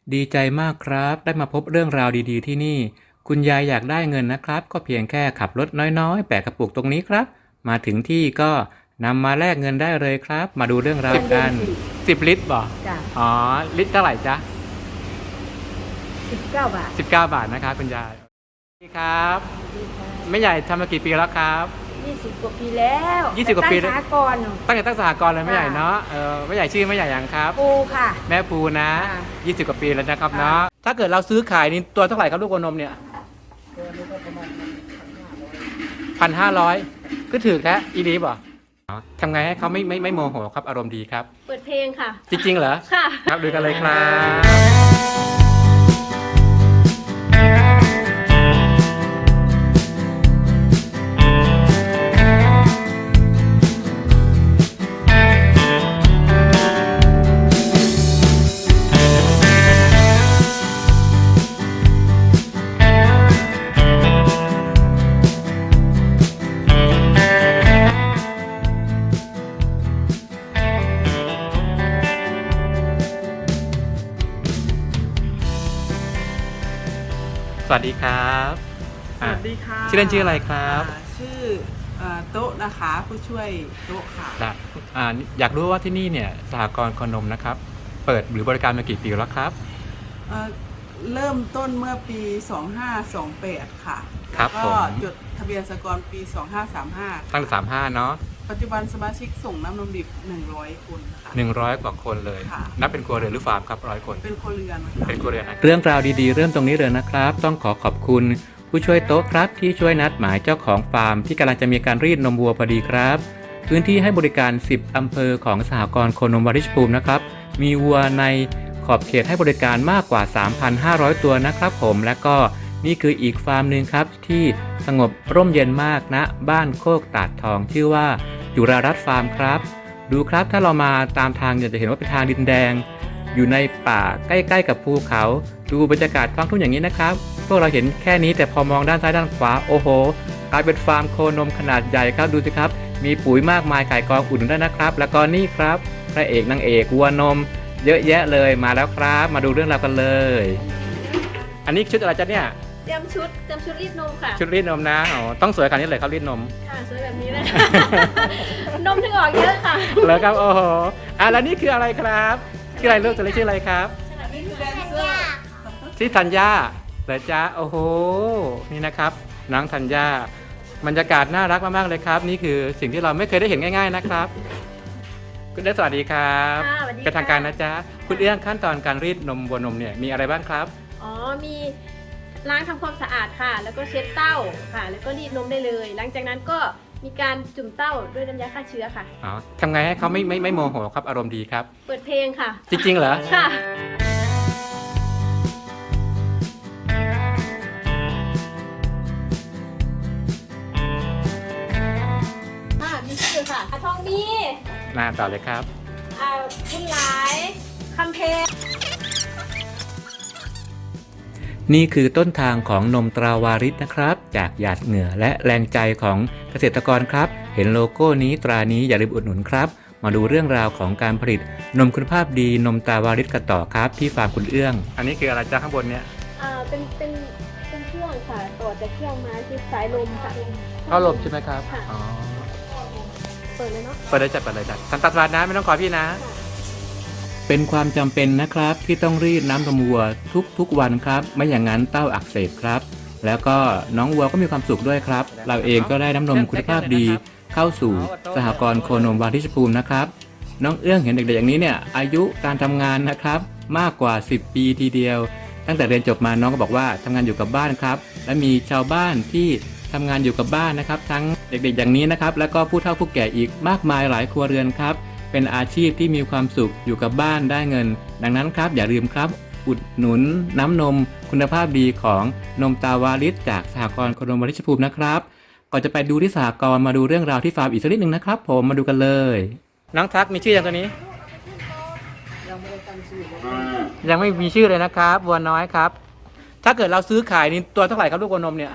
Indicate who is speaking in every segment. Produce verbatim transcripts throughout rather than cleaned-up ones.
Speaker 1: ดีใจมากครับได้มาพบเรื่องราวดีๆที่นี่คุณยายอยากได้เงินนะครับก็เพียงแค่ขับรถน้อยๆแปะกระปุกตรงนี้ครับมาถึงที่ก็นำมาแลกเงินได้เลยครับมาดูเรื่องราวกันสิบลิตรบ่
Speaker 2: จ้ะ
Speaker 1: อ๋อลิตรเท่าไหร่จ๊ะ
Speaker 2: สิบเก้าบาท
Speaker 1: สิบเก้าบาทนะครับคุณยายสวัสดีครับ
Speaker 2: ดีค่ะ
Speaker 1: แม่ใหญ่ทำมากี่ปีแล้วครับ
Speaker 2: ยี่สิบกว่าปีแล้ว
Speaker 1: ยี่สิบกว่าปี
Speaker 2: ตั้งสหกรณ์
Speaker 1: ตั้งแต่ตั้งสหกรณ์เลยแม่ใหญ่เนาะเออแม่ใหญ่ชื่อแม่ใหญ่ยังครับ
Speaker 2: ปูค่ะ
Speaker 1: แม่ภูนะ
Speaker 2: ค่ะ
Speaker 1: ยี่สิบกว่าปีแล้วนะครับเนาะถ้าเกิดเราซื้อขายนี่ตัวเท่าไหร่ครับลูกโคนมเนี่ยพันห้าร้อยก็ถือแค่อีลีบ่ทำไงให้เขาไม่ไม่ไม่โมโหครับอารมณ์ดีครับ
Speaker 3: เปิดเพลงค่ะ
Speaker 1: จริงๆเหรอ
Speaker 3: ค่ะ
Speaker 1: ครับดูกันเลยครับสวัสดีครับ
Speaker 4: สวัสดีค่ะ
Speaker 1: ชื่อเล่นชื่ออะไรครับ
Speaker 4: ชื่อโต๊ะนะคะผู้ช่วยโต๊ะค่ะ
Speaker 1: อยากรู้ว่าที่นี่เนี่ยสหกรณ์โคนมนะครับเปิดหรือบริการมากี่ปีแล้วครับ
Speaker 4: เริ่มต้นเมื่อปีสองห้าสองแปดค่ะ
Speaker 1: ครับ
Speaker 4: ก็จดทะเบียนสหกรณ์ปีสองห้าสามห้า
Speaker 1: ตั้งแต่สามห้าเนาะ
Speaker 4: ปัจจุบันสมาชิกส่งน้ำนมดิบหนึ่งร้อยคนค่ะ
Speaker 1: หนึ่งร้อยกว่าคนเลยนับเป็นครัวเรือนหรือฟาร์มครับร้อยคน
Speaker 4: เป็นครัวเรือน
Speaker 1: เป็นครัวเรือนเรื่องราวดีๆเริ่มตรงนี้เลยนะครับต้องขอขอบคุณผู้ช่วยโต๊ะครับที่ช่วยนัดหมายเจ้าของฟาร์มที่กำลังจะมีการรีดนมวัวพอดีครับพื้นที่ให้บริการสิบอำเภอของสหกรณ์โคนมวาริชภูมินะครับมีวัวในขอบเขตให้บริการมากกว่า สามพันห้าร้อย ตัวนะครับผมและก็นี่คืออีกฟาร์มหนึ่งครับที่สงบร่มเย็นมากณนะบ้านโคกตาดทองชื่อว่าจุฬารัตน์ฟาร์มครับดูครับถ้าเรามาตามทางจะเห็นว่าเป็นทางดินแดงอยู่ในป่าใกล้ๆกับภูเขาดูบรรยากาศท้องทุ่งอย่างนี้นะครับพวกเราเห็นแค่นี้แต่พอมองด้านซ้ายด้านขวาโอ้โหกลายเป็นฟาร์มโคนมขนาดใหญ่ครับดูสิครับมีปุ๋ยมากมายไก่กองอุ่นด้วยนะครับแล้วก็นี่ครับพระเอกนางเอกวัวนมเยอะแยะเลยมาแล้วครับมาดูเรื่องราวกันเลยอันนี้ชุดอะไรจ๊ะเนี่ย
Speaker 3: เตรียมชุดเตรียมชุดรีดนมค่ะ
Speaker 1: ชุดรีดนมนะอ๋อต้องสวยขนาดนี้เลยครับรีดนม
Speaker 3: ค่ะสวยแบบนี้เลยนมถึงออกเยอะค่ะ
Speaker 1: แล้วครับโอ้โหอ่ะแล้วนี่คืออะไรครับชื่ออะไรลูกตัวเล็กชื่ออะไรครับ
Speaker 4: นี่คือแดนเซอร์
Speaker 1: ชื่อธัญญาเหรอจ๊ะโอ้โหนี่นะครับน้องธัญญาบรรยากาศน่ารักมากๆเลยครับนี่คือสิ่งที่เราไม่เคยได้เห็นง่ายๆนะครับคุณเอื้องสวัสดีครับเป็นทางการนะจ๊ะคุณเอื้องขั้นตอนการรีดนมวัวนมเนี่ยมีอะไรบ้างครับ
Speaker 3: อ๋อมีล้างทำความสะอาดค่ะแล้วก็เช็ดเต้าค่ะแล้วก็รีดนมได้เลยหลังจากนั้นก็มีการจุ่มเต้าด้วยน้ำยาฆ่าเชื้อค่ะ
Speaker 1: อ๋อทำไงให้เขาไม่ไม่ไม่โมโหครับอารมณ์ดีครับ
Speaker 3: เปิดเพลงค่ะ
Speaker 1: จริงๆเหรอ
Speaker 3: ค่ะมีชื่อค่ะอาทองมี
Speaker 1: น่าต่อเลยครับ
Speaker 3: อ่าคุณหลายคำเพล
Speaker 1: นี่คือต้นทางของนมตราวาริศนะครับจากหยาดเหงื่อและแรงใจของเกษตรกรครับเห็นโลโก้นี้ตรานี้อย่าลืมอุดหนุนครับมาดูเรื่องราวของการผลิตนมคุณภาพดีนมตราวาริศกันต่อครับที่ฟาร์มคุณเอื้องอันนี้คืออะไรจ้าข้างบนเนี่ย
Speaker 3: อ่าเป็นเป็นเป็นเครื่องค่ะต่อจากเครื่องมาคือสายลมค่ะ
Speaker 1: ท่อลมใช่ไหมครับ
Speaker 3: อ๋อเปิดเลยเนาะ
Speaker 1: เปิดเลยจัดเปิดเลยจัดสันตัดวาดนะไม่ต้องขอพี่นะเป็นความจำเป็นนะครับที่ต้องรีดน้ำนมวัวทุกๆวันครับไม่อย่างนั้นเต้าอักเสบครับแล้วก็น้องวัวก็มีความสุขด้วยครับเราเองก็ได้น้ำนมคุณภาพดีเข้าสู่สหกรณ์โคนมวาริชภูมินะครับน้องเอื้องเห็นเด็กๆอย่างนี้เนี่ยอายุการทำงานนะครับมากกว่าสิบปีทีเดียวตั้งแต่เรียนจบมาน้องก็บอกว่าทำงานอยู่กับบ้านครับและมีชาวบ้านที่ทำงานอยู่กับบ้านนะครับทั้งเด็กๆอย่างนี้นะครับแล้วก็ผู้เฒ่าผู้แก่อีกมากมายหลายครัวเรือนครับเป็นอาชีพที่มีความสุขอยู่กับบ้านได้เงินดังนั้นครับอย่าลืมครับอุดหนุนน้ำนมคุณภาพดีของนมตาวาริศจากสหกรณ์โคนมวาริชภูมินะครับก่อนจะไปดูที่สหกรณ์มาดูเรื่องราวที่ฟาร์มอีกสักนิดหนึ่งนะครับผมมาดูกันเลยน้องทักมีชื่อยังตัวนี้ยังไม่ได้ตั้งชื่อยังไม่มีชื่อเลยนะครับวัวน้อยครับถ้าเกิดเราซื้อขายนี่ตัวเท่าไหร่ครับลูกวัวนมเนี่ย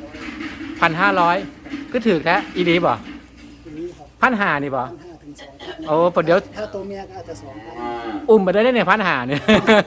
Speaker 1: พันห้าร้อยก็ถือแค่อีลีบ่พันห้านี่บ่โอ้ปเดี๋ยว
Speaker 5: ถ้าตัวเมียก็อาจจะสองพัน
Speaker 1: อุ้มมาได้เนี่ยพันหาเนี่ย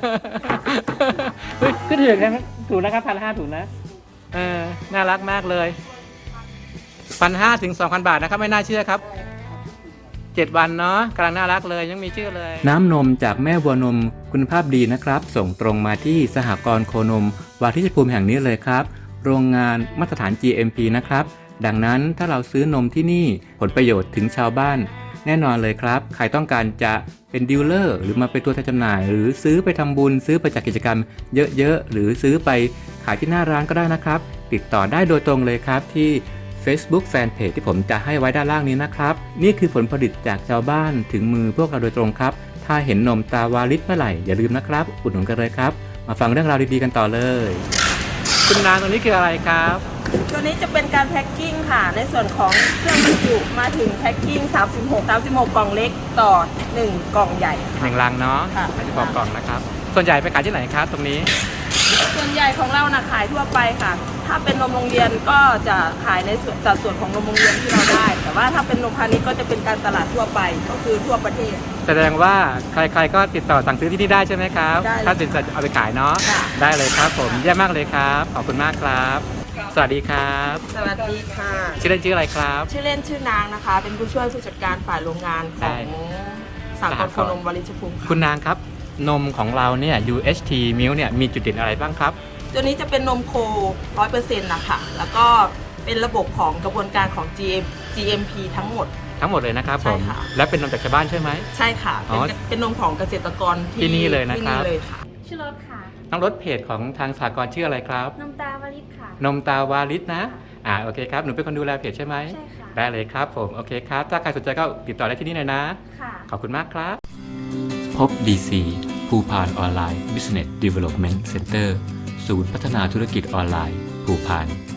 Speaker 1: เฮ้ยขึ้นถึงนะถูกนะครับพันห้าถูกนะเออน่ารักมากเลยพันห้าถึงสองพันบาทนะครับไม่น่าเชื่อครับเจ็ดวันเนาะกำลังน่ารักเลยยังมีชื่อเลย น้ำนมจากแม่วัวนมคุณภาพดีนะครับ ส่งตรงมาที่สหกรณ์โคนมวาทิชภูมิแห่งนี้เลยครับ โรงงานมาตรฐาน จี เอ็ม พี นะครับดังนั้นถ้าเราซื้อนมที่นี่ผลประโยชน์ถึงชาวบ้านแน่นอนเลยครับใครต้องการจะเป็นดีลเลอร์หรือมาเป็นตัวแทนจำหน่าย หรือซื้อไปทำบุญซื้อไปจากกิจกรรมเยอะๆหรือซื้อไปขายที่หน้าร้านก็ได้นะครับติดต่อได้โดยตรงเลยครับที่ Facebook Fanpage ที่ผมจะให้ไว้ด้านล่างนี้นะครับนี่คือผลผลิตจากชาวบ้านถึงมือพวกเราโดยตรงครับถ้าเห็นนมตาวาลิศเมื่อไหร่อย่าลืมนะครับอุดหนุนกันเลยครับมาฟังเรื่องราวดีๆกันต่อเลยคุณนางตรงนี้คืออะไรครับ
Speaker 6: ตัวนี้จะเป็นการแพ็คกิ้งค่ะ ในส่วนของเครื่องบรรจุมาถึงแพ็คกิ้งสามสิบหก สามสิบหกกล่องเล็กต่อหนึ่งกล่องใหญ่
Speaker 1: หนึ่งลังเนาะ
Speaker 6: ค่ะ
Speaker 1: อาจจะบอกกล่องนะครับส่วนใหญ่ไปขายที่ไหนครับตรงนี้
Speaker 6: ส่วนใหญ่ของเรานะขายทั่วไปค่ะ ถ้าเป็นนมโรงเรียนก็จะขายในส่วนสัดส่วนของนมโรงเรียนที่เราได้ แต่ว่าถ้าเป็นนมพาณิชย์ก็จะเป็นการตลาดทั่วไปก็คือทั่วประเทศ
Speaker 1: แสดงว่าใครๆก็ติดต่อสั่งซื้อที่นี่ได้ใช่ไหมครับ
Speaker 6: ได้เลย
Speaker 1: ถ้าติดจะเอาไปขายเนาะ
Speaker 6: ค่ะ
Speaker 1: ได้เลยครับผมเยี่ยมมากเลยครับขอบคุณมากครับ สวัสดีครับ
Speaker 6: สวัสดีค่ะ
Speaker 1: ชื่อเล่นชื่ออะไรครับ
Speaker 6: ชื่อเล่นชื่อนางนะคะ เป็นผู้ช่วยผู้จัดการฝ่ายโรงงานข
Speaker 1: ได้
Speaker 6: องสากลโคนมวลิชภูมิ
Speaker 1: คุณ
Speaker 6: ค่ะ
Speaker 1: นางครับนมของเราเนี่ย ยู เอช ที Milk เนี่ยมีจุดเด่นอะไรบ้างครับ
Speaker 6: ตัวนี้จะเป็นนมโค ร้อยเปอร์เซ็นต์ นะคะแล้วก็เป็นระบบของกระบวนการของ จี เอ็ม พี ทั้งหมด
Speaker 1: ทั้งหมดเลยนะครับผม
Speaker 6: ใช่ค่ะ
Speaker 1: และเป็นนมจากชาวบ้านใช่ไหม
Speaker 6: ใช่ค่ะ
Speaker 1: อ๋
Speaker 6: เป็น
Speaker 1: อ
Speaker 6: เป็นนมของเกษตรกร
Speaker 1: ที่นี่เลยนะครับ
Speaker 6: ที่นี่เลยค่ะ
Speaker 3: ชื่อรถค่ะ
Speaker 1: น้องรถเพจของทางสากลชื่ออะไรครับ
Speaker 3: นมตาวลิศค่ะ
Speaker 1: นมตาวาลิศนะอ่าโอเคครับหนูเป็นคนดูแลเพจใช่ไหม
Speaker 3: ใช่ค่ะ
Speaker 1: ได้เลยครับผมโอเคครับถ้าใครสนใจก็ติดต่อได้ที่นี่เลยนะ
Speaker 3: ค่ะ
Speaker 1: ขอบคุณมากครับ พบ ดี ซี ภูพานออนไลน์ Business Development Center ศูนย์พัฒนาธุรกิจออนไลน์ ภูพาน